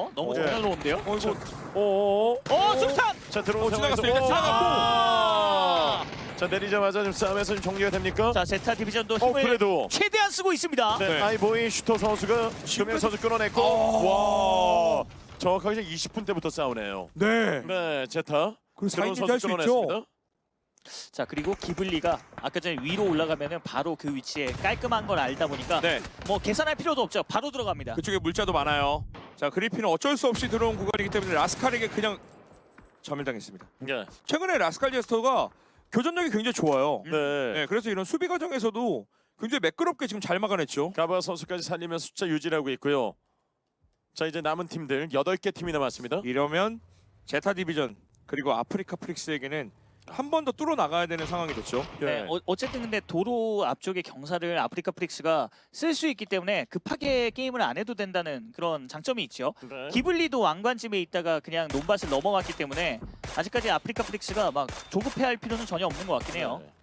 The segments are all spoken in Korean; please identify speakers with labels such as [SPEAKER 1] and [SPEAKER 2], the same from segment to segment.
[SPEAKER 1] 좋은데요? 너무
[SPEAKER 2] 네.
[SPEAKER 1] 자연스러운데요?
[SPEAKER 2] 이거
[SPEAKER 1] 수류탄!
[SPEAKER 2] 자 들어온
[SPEAKER 3] 지나갔어요.
[SPEAKER 2] 상황에서
[SPEAKER 3] 일단 지나갔고.
[SPEAKER 2] 자 내리자마자 지금 싸움에서 좀 정리가 됩니까?
[SPEAKER 1] 자, 제타 디비전도 힘을
[SPEAKER 2] 그래도
[SPEAKER 1] 최대한 쓰고 있습니다.
[SPEAKER 2] 네,
[SPEAKER 3] 네.
[SPEAKER 2] 아이보이 슈터 선수가 금영 선수 끌어냈고 와 정확하게 20분 때부터 싸우네요.
[SPEAKER 3] 네.
[SPEAKER 2] 네 제타
[SPEAKER 3] 그리고
[SPEAKER 2] 들어온
[SPEAKER 3] 4인칭 할수 있죠.
[SPEAKER 1] 자, 그리고 기블리가 아까 전에 위로 올라가면은 바로 그 위치에 깔끔한 걸 알다 보니까
[SPEAKER 3] 네.
[SPEAKER 1] 뭐 계산할 필요도 없죠. 바로 들어갑니다.
[SPEAKER 3] 그쪽에 물자도 많아요. 자, 그리핀은 어쩔 수 없이 들어온 구간이기 때문에 라스칼에게 그냥 점멸당했습니다.
[SPEAKER 2] 네.
[SPEAKER 3] 최근에 라스칼 제스터가 교전력이 굉장히 좋아요.
[SPEAKER 2] 네.
[SPEAKER 3] 네, 그래서 이런 수비 과정에서도 굉장히 매끄럽게 지금 잘 막아냈죠.
[SPEAKER 2] 가바 선수까지 살리면서 숫자 유지하고 있고요. 자 이제 남은 팀들 8개 팀이 남았습니다.
[SPEAKER 3] 이러면 제타 디비전 그리고 아프리카 프릭스에게는 한 번 더 뚫어 나가야 되는 상황이 됐죠.
[SPEAKER 1] 네, 어쨌든 근데 도로 앞쪽의 경사를 아프리카 프릭스가 쓸 수 있기 때문에 급하게 게임을 안 해도 된다는 그런 장점이 있죠.
[SPEAKER 2] 네.
[SPEAKER 1] 기블리도 왕관집에 있다가 그냥 논밭을 넘어갔기 때문에 아직까지 아프리카 프릭스가 막 조급해할 필요는 전혀 없는 것 같긴 해요.
[SPEAKER 2] 네.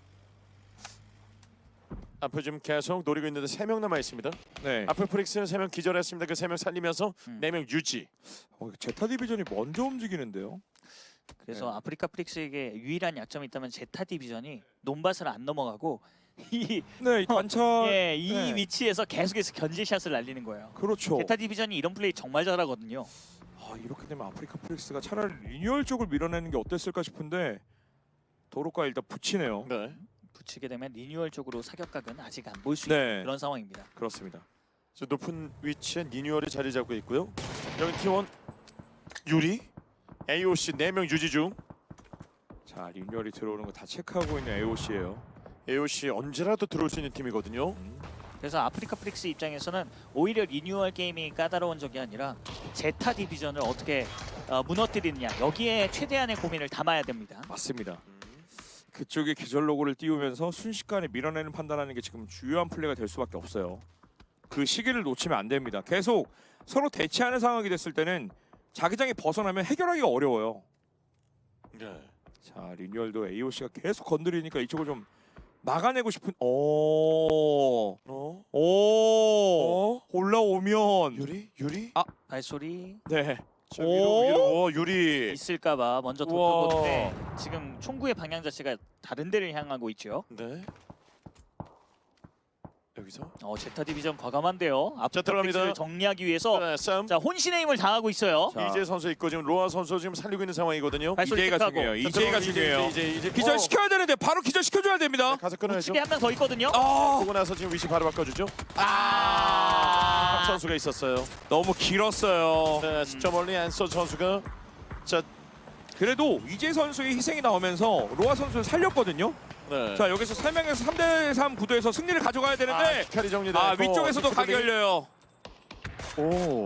[SPEAKER 2] 앞으로 지금 계속 노리고 있는데 3명 남아 있습니다.
[SPEAKER 3] 네.
[SPEAKER 2] 앞으로 프릭스는 3명 기절했습니다. 그 3명 살리면서
[SPEAKER 1] 음.
[SPEAKER 2] 4명 유지.
[SPEAKER 3] 제타 디비전이 먼저 움직이는데요.
[SPEAKER 1] 그래서
[SPEAKER 3] 네.
[SPEAKER 1] 아프리카 프릭스에게 유일한 약점이 있다면 제타 디비전이 논밭을 안 넘어가고 이,
[SPEAKER 3] 네, 이 관찰.
[SPEAKER 1] 예, 이
[SPEAKER 3] 네.
[SPEAKER 1] 위치에서 계속해서 견제샷을 날리는 거예요.
[SPEAKER 3] 그렇죠.
[SPEAKER 1] 제타 디비전이 이런 플레이 정말 잘하거든요.
[SPEAKER 3] 이렇게 되면 아프리카 프릭스가 차라리 리뉴얼 쪽을 밀어내는 게 어땠을까 싶은데 도로가 일단 붙이네요.
[SPEAKER 2] 네.
[SPEAKER 1] 붙이게 되면 리뉴얼 쪽으로 사격각은 아직 안 볼 수
[SPEAKER 3] 네.
[SPEAKER 1] 있는 그런 상황입니다.
[SPEAKER 3] 그렇습니다.
[SPEAKER 2] 저 높은 위치에 니뉴얼이 자리 잡고 있고요. 여기 T1 유리, AOC 4명 유지 중.
[SPEAKER 3] 자, 리뉴얼이 들어오는 거 다 체크하고 있는 AOC예요.
[SPEAKER 2] AOC 언제라도 들어올 수 있는 팀이거든요.
[SPEAKER 1] 그래서 아프리카 프릭스 입장에서는 오히려 리뉴얼 게임이 까다로운 적이 아니라 제타 디비전을 어떻게 무너뜨리느냐 여기에 최대한의 고민을 담아야 됩니다.
[SPEAKER 3] 맞습니다. 그쪽에 기절 로고를 띄우면서 순식간에 밀어내는 판단하는 게 지금 주요한 플레이가 될 수밖에 없어요. 그 시기를 놓치면 안 됩니다. 계속 서로 대치하는 상황이 됐을 때는 자기장이 벗어나면 해결하기가 어려워요.
[SPEAKER 2] 네.
[SPEAKER 3] 자, 리뉴얼도 AOC가 계속 건드리니까 이쪽을 좀 막아내고 싶은 올라오면
[SPEAKER 2] 유리?
[SPEAKER 1] 발소리
[SPEAKER 3] 네.
[SPEAKER 2] 자, 위로 유리.
[SPEAKER 1] 있을까봐 먼저
[SPEAKER 2] 우와.
[SPEAKER 1] 덮어보는데 지금 총구의 방향 자체가 다른 데를 향하고 있죠.
[SPEAKER 2] 네. 여기서
[SPEAKER 1] 제타 디비전 과감한데요. 아프리카
[SPEAKER 2] 들어갑니다.
[SPEAKER 1] 프릭스를 정리하기 위해서
[SPEAKER 2] 네, 싸움.
[SPEAKER 1] 자 혼신의 힘을 다하고 있어요.
[SPEAKER 3] 자.
[SPEAKER 2] 이재 선수 있고 지금 로아 선수 지금 살리고 있는 상황이거든요.
[SPEAKER 1] 발소리
[SPEAKER 3] 이제가
[SPEAKER 1] 체크하고.
[SPEAKER 3] 중요해요. 이제가 중요해요.
[SPEAKER 2] 이제
[SPEAKER 3] 기절 시켜야 되는데 바로 기절 시켜줘야 됩니다.
[SPEAKER 2] 가서 끊어야죠.
[SPEAKER 1] 우측에 한 명 더 있거든요.
[SPEAKER 2] 보고 나서 지금 위치 바로 바꿔주죠. 박 선수가 있었어요.
[SPEAKER 3] 너무 길었어요.
[SPEAKER 2] 네, 진짜 멀리 앤서 선수가 자,
[SPEAKER 3] 그래도 이재 선수의 희생이 나오면서 로아 선수를 살렸거든요.
[SPEAKER 2] 네.
[SPEAKER 3] 자, 여기서 3명에서 3대3 구도에서 승리를 가져가야 되는데
[SPEAKER 2] 히카리 정리돼.
[SPEAKER 3] 위쪽에서도 각이 열려요.
[SPEAKER 2] 오.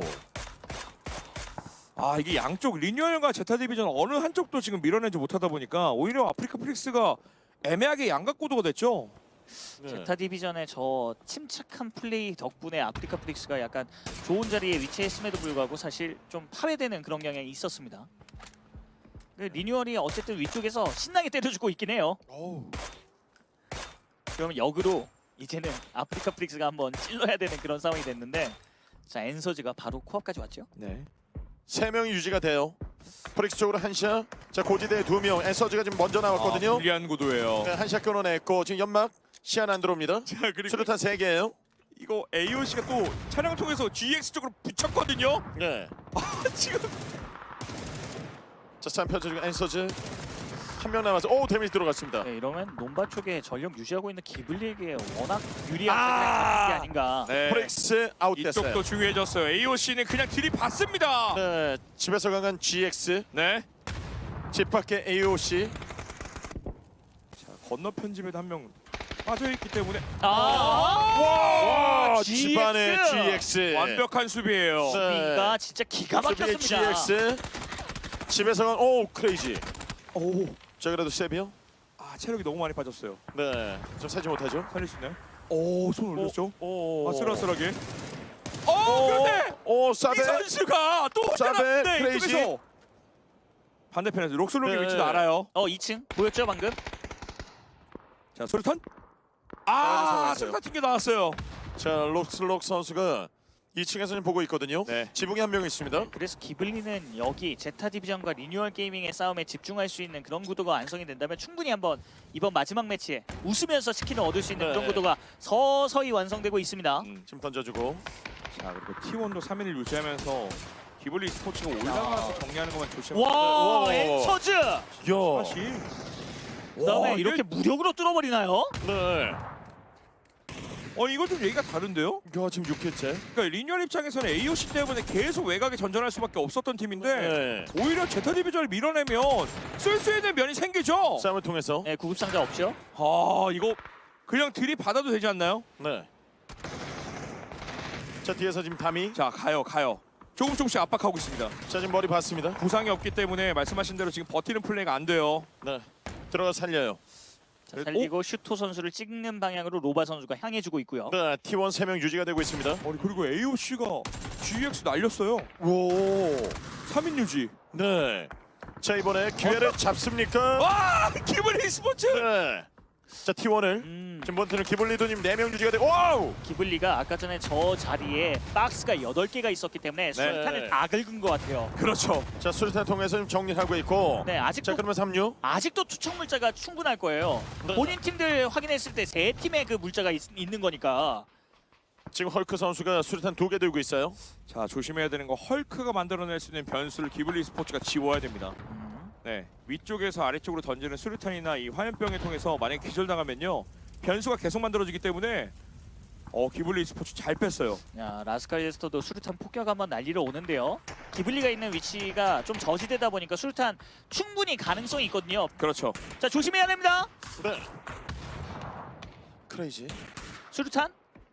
[SPEAKER 3] 이게 양쪽 리뉴얼과 제타 디비전 어느 한쪽도 지금 밀어내지 못하다 보니까 오히려 아프리카 프릭스가 애매하게 양각구도가 됐죠.
[SPEAKER 2] 네.
[SPEAKER 1] 제타 디비전의 저 침착한 플레이 덕분에 아프리카 프릭스가 약간 좋은 자리에 위치했음에도 불구하고 사실 좀 파괴되는 그런 경향이 있었습니다. 리뉴얼이 어쨌든 위쪽에서 신나게 때려주고 있긴 해요.
[SPEAKER 2] 오.
[SPEAKER 1] 그러면 역으로 이제는 아프리카 프릭스가 한번 찔러야 되는 그런 상황이 됐는데 자 엔서즈가 바로 코앞까지 왔죠.
[SPEAKER 3] 네.
[SPEAKER 2] 3명이 유지가 돼요. 프릭스 쪽으로 한샷. 자, 고지대에 2명. 앤서즈가 지금 먼저 나왔거든요.
[SPEAKER 3] 불리한 구도예요.
[SPEAKER 2] 네, 한샷 끊어냈고 지금 연막 시안 안 들어옵니다.
[SPEAKER 3] 자, 그리고
[SPEAKER 2] 수류탄 3개예요.
[SPEAKER 3] 이거 AOC가 또 차량 통해서 GX 쪽으로 붙였거든요.
[SPEAKER 2] 네.
[SPEAKER 3] 지금
[SPEAKER 2] 자, 싸움 펼쳐지고 앤서즈 한 명 남아서 데미지 들어갔습니다.
[SPEAKER 1] 네, 이러면 논바 쪽에 전력 유지하고 있는 기블리에게 워낙 유리한 상황이 게 아닌가.
[SPEAKER 3] 네.
[SPEAKER 2] 프릭스 아웃됐어요.
[SPEAKER 3] 이쪽도 중요해졌어요. AOC는 그냥 들이받습니다.
[SPEAKER 2] 네, 집에서 강한 GX,
[SPEAKER 3] 네.
[SPEAKER 2] 집 밖에 AOC.
[SPEAKER 3] 자, 건너편 집에도 한 명 빠져있기 때문에
[SPEAKER 2] 와,
[SPEAKER 1] GX.
[SPEAKER 2] 집안의 GX.
[SPEAKER 3] 완벽한 수비예요.
[SPEAKER 1] 수비가 진짜 기가
[SPEAKER 2] 수비의
[SPEAKER 1] 막혔습니다.
[SPEAKER 2] GX. 집에서 간 크레이지.
[SPEAKER 3] 오.
[SPEAKER 2] 자, 그래도 세비요?
[SPEAKER 3] 체력이 너무 많이 빠졌어요.
[SPEAKER 2] 네, 좀 살지 못하죠.
[SPEAKER 3] 살릴 수 있나요? 손 올렸죠?
[SPEAKER 2] 오,
[SPEAKER 3] 아슬아슬하게. 그런데
[SPEAKER 2] 사베.
[SPEAKER 3] 이 선수가 또
[SPEAKER 2] 사베,
[SPEAKER 3] 혼자
[SPEAKER 2] 크레이지.
[SPEAKER 3] 이쪽에서 반대편에서 록슬록의
[SPEAKER 2] 네.
[SPEAKER 3] 위치도 알아요.
[SPEAKER 1] 2층 보였죠 방금?
[SPEAKER 3] 자, 소리탄.
[SPEAKER 2] 상황이었어요.
[SPEAKER 3] 소리탄 튕겨 나왔어요.
[SPEAKER 2] 자, 록슬록 선수가 2층에서는 보고 있거든요.
[SPEAKER 3] 네.
[SPEAKER 2] 지붕에 한 명 있습니다.
[SPEAKER 1] 그래서 기블리는 여기 제타 디비전과 리뉴얼 게이밍의 싸움에 집중할 수 있는 그런 구도가 완성이 된다면 충분히 한번 이번 마지막 매치에 웃으면서 치킨을 얻을 수 있는
[SPEAKER 2] 네.
[SPEAKER 1] 그런 구도가 서서히 완성되고 있습니다.
[SPEAKER 2] 지금 던져주고.
[SPEAKER 3] 자 그리고 T1도 3위를 유지하면서 기블리 스포츠가 올라가서 정리하는 것만 조심하면
[SPEAKER 1] 와,
[SPEAKER 2] 네.
[SPEAKER 1] 엔서즈!
[SPEAKER 2] 야.
[SPEAKER 3] 사실
[SPEAKER 1] 그다음에 이렇게 무력으로 뚫어버리나요?
[SPEAKER 2] 네.
[SPEAKER 3] 이거 좀 얘기가 다른데요?
[SPEAKER 2] 야 지금 6회째.
[SPEAKER 3] 그러니까 리뉴얼 입장에서는 AOC 때문에 계속 외곽에 전전할 수밖에 없었던 팀인데
[SPEAKER 2] 네.
[SPEAKER 3] 오히려 제타 디비전을 밀어내면 쓸 수 있는 면이 생기죠.
[SPEAKER 2] 싸움을 통해서.
[SPEAKER 1] 네, 구급상자 없죠?
[SPEAKER 3] 아 이거 그냥 들이받아도 되지 않나요?
[SPEAKER 2] 네. 자 뒤에서 지금 담이.
[SPEAKER 3] 자 가요. 조금씩 압박하고 있습니다.
[SPEAKER 2] 자 지금 머리 봤습니다.
[SPEAKER 3] 부상이 없기 때문에 말씀하신 대로 지금 버티는 플레이가 안 돼요.
[SPEAKER 2] 네. 들어가 살려요.
[SPEAKER 1] 자, 살리고 슈토 선수를 찍는 방향으로 로바 선수가 향해주고 있고요.
[SPEAKER 2] 네. T1 3명 유지가 되고 있습니다.
[SPEAKER 3] 그리고 AOC가 GX 날렸어요.
[SPEAKER 2] 오.
[SPEAKER 3] 3인 유지.
[SPEAKER 2] 네. 자 이번에 기회를 잡습니까?
[SPEAKER 3] 와 기블리 스포츠.
[SPEAKER 2] 네. 자 T1을 지금 몬트는 기블리도님 4명 유지가 되고. 와우.
[SPEAKER 1] 기블리가 아까 전에 저 자리에 박스가 8개가 있었기 때문에 수류탄을 다 긁은 것 같아요.
[SPEAKER 3] 그렇죠.
[SPEAKER 2] 자 수류탄 통해서 지금 정리하고 있고.
[SPEAKER 1] 네,
[SPEAKER 2] 자
[SPEAKER 1] 아직도
[SPEAKER 2] 그러면 3류.
[SPEAKER 1] 아직도 투척 물자가 충분할 거예요.
[SPEAKER 2] 네.
[SPEAKER 1] 본인 팀들 확인했을 때 세 팀의 그 물자가 있는 거니까.
[SPEAKER 2] 지금 헐크 선수가 수류탄 2개 들고 있어요.
[SPEAKER 3] 자 조심해야 되는 거 헐크가 만들어낼 수 있는 변수를 기블리 스포츠가 지워야 됩니다. 네 위쪽에서 아래쪽으로 던지는 수류탄이나 이 화염병을 통해서 만약 기절당하면요 변수가 계속 만들어지기 때문에 기블리 스포츠 잘 뺐어요.
[SPEAKER 1] 야, 라스칼제스터도 수류탄 폭격 한번 날리러 오는데요. 기블리가 있는 위치가 좀 저지되다 보니까 수류탄 충분히 가능성이 있거든요.
[SPEAKER 3] 그렇죠.
[SPEAKER 1] 자, 조심해야 됩니다.
[SPEAKER 2] 네. 크레이지.
[SPEAKER 1] 수류탄.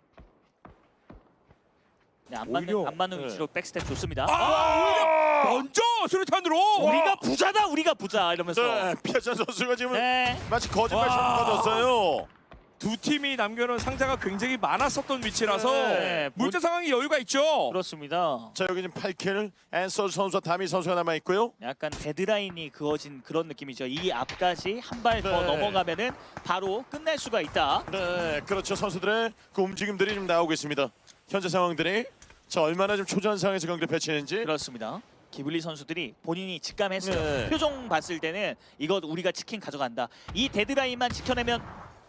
[SPEAKER 1] 네, 안
[SPEAKER 3] 오히려,
[SPEAKER 1] 맞는
[SPEAKER 2] 네.
[SPEAKER 1] 위치로 백스텝 좋습니다.
[SPEAKER 3] 오히려 먼저 수류탄으로.
[SPEAKER 1] 우리가 부자다, 우리가 부자 이러면서.
[SPEAKER 2] 네. 피아찬 선수가 지금
[SPEAKER 1] 네.
[SPEAKER 2] 마치 거짓말처럼
[SPEAKER 3] 와.
[SPEAKER 2] 터졌어요.
[SPEAKER 3] 두 팀이 남겨놓은 상자가 굉장히 많았었던 위치라서
[SPEAKER 1] 네.
[SPEAKER 3] 물자 상황이 여유가 있죠.
[SPEAKER 1] 그렇습니다.
[SPEAKER 2] 자 여기 지금 8킬 앤서 선수와 다미 선수가 남아 있고요.
[SPEAKER 1] 약간 데드라인이 그어진 그런 느낌이죠. 이 앞까지 한 발 더
[SPEAKER 2] 네.
[SPEAKER 1] 넘어가면은 바로 끝날 수가 있다.
[SPEAKER 2] 네, 그렇죠. 선수들의 그 움직임들이 좀 나오고 있습니다. 현재 상황들이 자 얼마나 좀 초조한 상황에서 경기를 펼치는지.
[SPEAKER 1] 그렇습니다. 기블리 선수들이 본인이 직감했어요.
[SPEAKER 2] 네.
[SPEAKER 1] 표정 봤을 때는 이거 우리가 치킨 가져간다. 이 데드라인만 지켜내면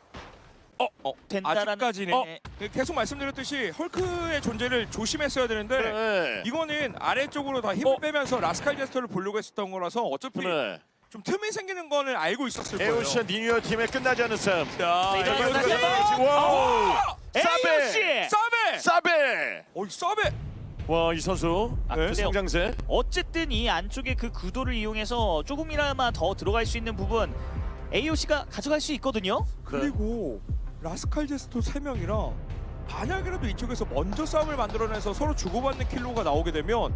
[SPEAKER 1] 된다라는.
[SPEAKER 3] 아직까지는
[SPEAKER 1] 네.
[SPEAKER 3] 계속 말씀드렸듯이 헐크의 존재를 조심했어야 되는데
[SPEAKER 2] 네.
[SPEAKER 3] 이거는 아래쪽으로 다 힘을 빼면서 라스칼 제스터를 보려고 했었던 거라서 어차피
[SPEAKER 2] 네.
[SPEAKER 3] 좀 틈이 생기는 거는 알고 있었을 거예요.
[SPEAKER 2] 에오시아 니뉴얼 팀의 끝나지 않은 싸움.
[SPEAKER 3] 자,
[SPEAKER 1] 네,
[SPEAKER 3] 이거
[SPEAKER 1] 이거
[SPEAKER 3] 끝났어요.
[SPEAKER 1] 끝났어요.
[SPEAKER 2] 와우.
[SPEAKER 1] AOC!
[SPEAKER 3] 사베!
[SPEAKER 2] 사베.
[SPEAKER 3] 사베!
[SPEAKER 2] 와, 이 선수.
[SPEAKER 1] 아,
[SPEAKER 2] 그
[SPEAKER 1] 근데요.
[SPEAKER 2] 성장세.
[SPEAKER 1] 어쨌든 이 안쪽에 그 구도를 이용해서 조금이나마 더 들어갈 수 있는 부분 AOC가 가져갈 수 있거든요.
[SPEAKER 3] 그리고 라스칼 제스터 3명이라 만약이라도 이쪽에서 먼저 싸움을 만들어내서 서로 주고받는 킬로가 나오게 되면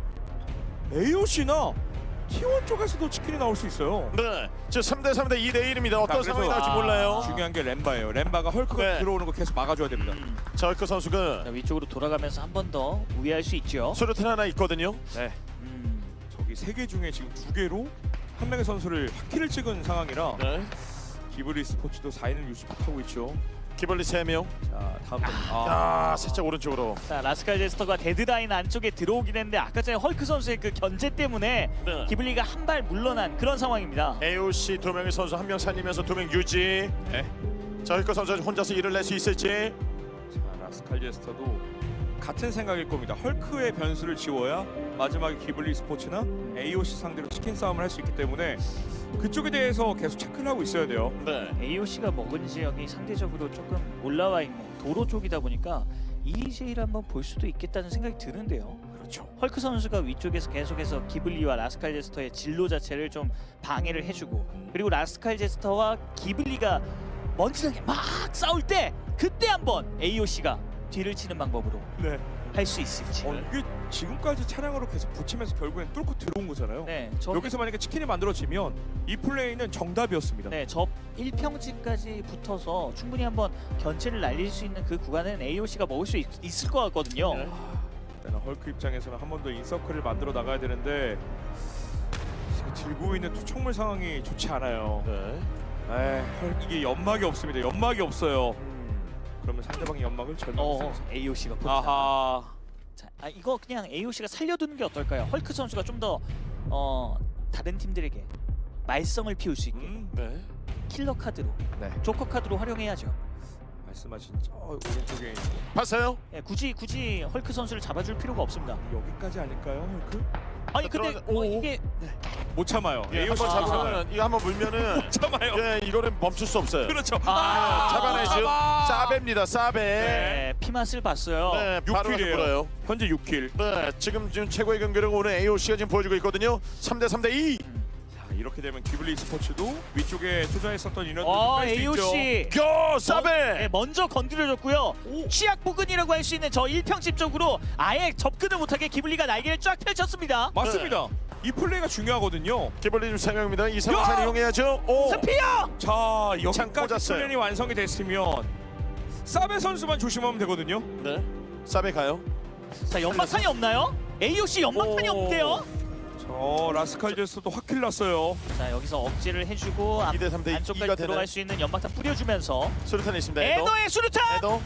[SPEAKER 3] AOC나 T1 쪽에서도 치킨이 나올 수 있어요.
[SPEAKER 2] 네. 지금 3대 3대 2대 1입니다. 어떤
[SPEAKER 3] 자,
[SPEAKER 2] 상황이
[SPEAKER 3] 그래서-
[SPEAKER 2] 나올지 몰라요.
[SPEAKER 3] 중요한 게 렘바예요. 렘바가 헐크가
[SPEAKER 2] 네.
[SPEAKER 3] 들어오는 거 계속 막아줘야 됩니다.
[SPEAKER 2] 자, 헐크 선수가
[SPEAKER 1] 자, 위쪽으로 돌아가면서 한 번 더 우회할 수 있죠.
[SPEAKER 2] 수류탄 하나 있거든요.
[SPEAKER 3] 네.
[SPEAKER 1] 음,
[SPEAKER 3] 저기 3개 중에 지금 2개로 한 명의 선수를 확킬을 찍은 상황이라
[SPEAKER 2] 네.
[SPEAKER 3] 기브리 스포츠도 4인을 유지 못하고 있죠.
[SPEAKER 2] 기벌리 3명.
[SPEAKER 3] 자 다음
[SPEAKER 2] 아, 살짝 오른쪽으로.
[SPEAKER 1] 자, 라스칼 제스터가 데드라인 안쪽에 들어오긴 했는데 아까 전에 헐크 선수의 그 견제 때문에
[SPEAKER 2] 네.
[SPEAKER 1] 기블리가 한 발 물러난 그런 상황입니다.
[SPEAKER 2] AOC 2명의 선수 1명 살리면서 2명 유지.
[SPEAKER 3] 네.
[SPEAKER 2] 자, 헐크 선수 혼자서 일을 낼 수 있을지.
[SPEAKER 3] 자 라스칼 제스터도 같은 생각일 겁니다. 헐크의 변수를 지워야 마지막에 기블리 스포츠나 AOC 상대로 치킨 싸움을 할 수 있기 때문에 그쪽에 대해서 계속 체크를 하고 있어야 돼요.
[SPEAKER 2] 네.
[SPEAKER 1] AOC가 먹은 지역이 상대적으로 조금 올라와 있는 도로 쪽이다 보니까 EJ를 한번 볼 수도 있겠다는 생각이 드는데요.
[SPEAKER 3] 그렇죠.
[SPEAKER 1] 헐크 선수가 위쪽에서 계속해서 기블리와 라스칼 제스터의 진로 자체를 좀 방해를 해주고 그리고 라스칼 제스터와 기블리가 먼지나게 막 싸울 때 그때 한번 AOC가 뒤를 치는 방법으로
[SPEAKER 3] 네.
[SPEAKER 1] 할 수 있을지.
[SPEAKER 3] 이게 지금까지 차량으로 계속 붙이면서 결국엔 뚫고 들어온 거잖아요.
[SPEAKER 1] 네, 저
[SPEAKER 3] 여기서 만약에 치킨이 만들어지면 이 플레이는 정답이었습니다.
[SPEAKER 1] 네, 저 1평지까지 붙어서 충분히 한번 견체를 날릴 수 있는 그 구간은 AOC가 먹을 수 있을 것 같거든요.
[SPEAKER 2] 네.
[SPEAKER 3] 일단 헐크 입장에서는 한 번 더 인서클을 만들어 나가야 되는데 지금 들고 있는 투척물 상황이 좋지 않아요.
[SPEAKER 2] 네.
[SPEAKER 3] 이게 연막이 없습니다. 연막이 없어요. 그러면 상대방의 연막을 절망했어요.
[SPEAKER 1] AOC가
[SPEAKER 3] 아하.
[SPEAKER 1] 자, 이거 그냥 AOC가 살려두는 게 어떨까요? 헐크 선수가 좀 더 다른 팀들에게 말썽을 피울 수 있게
[SPEAKER 2] 네.
[SPEAKER 1] 킬러 카드로,
[SPEAKER 3] 네.
[SPEAKER 1] 조커 카드로 활용해야죠.
[SPEAKER 3] 말씀하신 저 오른쪽에 있는
[SPEAKER 2] 봤어요?
[SPEAKER 1] 예, 굳이 헐크 선수를 잡아줄 필요가 없습니다.
[SPEAKER 3] 여기까지 아닐까요, 헐크?
[SPEAKER 1] 아니 근데
[SPEAKER 2] 들어가자.
[SPEAKER 1] 뭐
[SPEAKER 2] 오.
[SPEAKER 1] 이게
[SPEAKER 3] 못 참아요.
[SPEAKER 2] 예,
[SPEAKER 3] AOC
[SPEAKER 2] 한번
[SPEAKER 3] 못 참아요.
[SPEAKER 2] 잡으면 이거 한번 물면은
[SPEAKER 3] 못 참아요.
[SPEAKER 2] 예, 이거는 멈출 수 없어요.
[SPEAKER 3] 그렇죠.
[SPEAKER 2] 잡아내죠.
[SPEAKER 3] 잡아.
[SPEAKER 2] 사베입니다. 사베.
[SPEAKER 1] 네, 피맛을 봤어요.
[SPEAKER 2] 네, 바로
[SPEAKER 3] 6킬이에요.
[SPEAKER 2] 돌아요.
[SPEAKER 3] 현재 6킬.
[SPEAKER 2] 네, 지금 최고의 경기를 오늘 AOC가 지금 보여주고 있거든요. 3대 2.
[SPEAKER 3] 자, 이렇게 되면 기블리 스포츠도 위쪽에 투자했었던 인원들 뺄수 있죠.
[SPEAKER 1] AOC
[SPEAKER 2] 고 사베.
[SPEAKER 1] 네, 먼저 건드려줬고요. 취약 부근이라고 할 수 있는 저 1평집 쪽으로 아예 접근을 못하게 기블리가 날개를 쫙 펼쳤습니다.
[SPEAKER 3] 맞습니다. 이 플레이가 중요하거든요.
[SPEAKER 2] 기블리 지금 3명입니다. 이 상황
[SPEAKER 3] 야!
[SPEAKER 2] 잘 이용해야죠. 오.
[SPEAKER 1] 스피어!
[SPEAKER 3] 자,
[SPEAKER 2] 창
[SPEAKER 3] 여기까지
[SPEAKER 2] 꽂았어요.
[SPEAKER 3] 훈련이 완성이 됐으면 사베 선수만 조심하면 되거든요.
[SPEAKER 2] 네. 사베 가요.
[SPEAKER 1] 자, 연막탄이 없나요? AOC 연막탄이
[SPEAKER 2] 오.
[SPEAKER 1] 없대요.
[SPEAKER 3] 저 라스칼제스도 확킬 났어요.
[SPEAKER 1] 자, 여기서 억지를 해주고
[SPEAKER 2] 2대 3대
[SPEAKER 1] 안쪽까지
[SPEAKER 2] 2가
[SPEAKER 1] 들어갈
[SPEAKER 2] 되나요?
[SPEAKER 1] 수 있는 연막탄 뿌려주면서
[SPEAKER 2] 수류탄이 있습니다. 에더.
[SPEAKER 1] 에더의 수류탄!
[SPEAKER 2] 에더.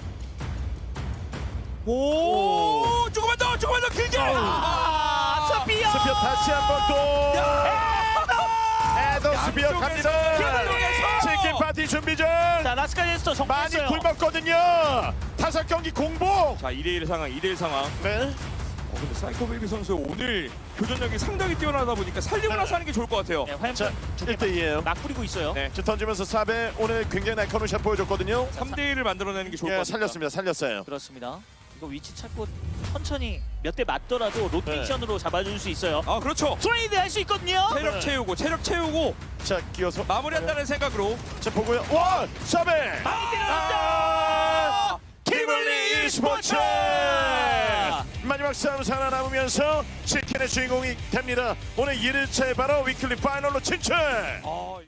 [SPEAKER 3] 오, 조금만 더 길게.
[SPEAKER 1] 스피어!
[SPEAKER 2] 스피어 다시 한번 또. 에더 스피어
[SPEAKER 3] 양쪽에서
[SPEAKER 2] 갑니다.
[SPEAKER 3] 양쪽에서.
[SPEAKER 2] 치킨 파티 준비 중.
[SPEAKER 1] 자, 라스카제스터
[SPEAKER 2] 많이
[SPEAKER 1] 정리했어요.
[SPEAKER 2] 굶었거든요. 5경기 공복.
[SPEAKER 3] 자, 2대1 상황, 2대1 상황.
[SPEAKER 2] 네.
[SPEAKER 3] 근데 사이코베이비 선수 오늘 교전력이 상당히 뛰어나다 보니까 살리고 나서 하는 게 좋을 것 같아요.
[SPEAKER 1] 네,
[SPEAKER 2] 자,
[SPEAKER 1] 화염병 두개
[SPEAKER 2] 1대2예요.
[SPEAKER 1] 막 뿌리고 있어요.
[SPEAKER 3] 네.
[SPEAKER 2] 지금 던지면서 사베 오늘 굉장히 날카로운 샷 보여줬거든요.
[SPEAKER 3] 3대1을 만들어내는 게 좋을 것
[SPEAKER 2] 예,
[SPEAKER 3] 같습니다.
[SPEAKER 2] 살렸습니다. 살렸어요.
[SPEAKER 1] 그렇습니다. 이거 위치 찾고 천천히 몇 대 맞더라도 로테이션으로 잡아줄 수 있어요.
[SPEAKER 3] 아, 그렇죠.
[SPEAKER 1] 트레이드 할 수 있거든요.
[SPEAKER 3] 체력
[SPEAKER 2] 네.
[SPEAKER 3] 채우고
[SPEAKER 2] 자, 끼어서
[SPEAKER 3] 마무리한다는 생각으로
[SPEAKER 2] 자, 보고요. 와! 사베!
[SPEAKER 1] 많이
[SPEAKER 2] 아! 키블리 e스포츠! 마지막 싸움 살아남으면서 치킨의 주인공이 됩니다. 오늘 1일차에 바로 위클리 파이널로 진출!
[SPEAKER 3] 아,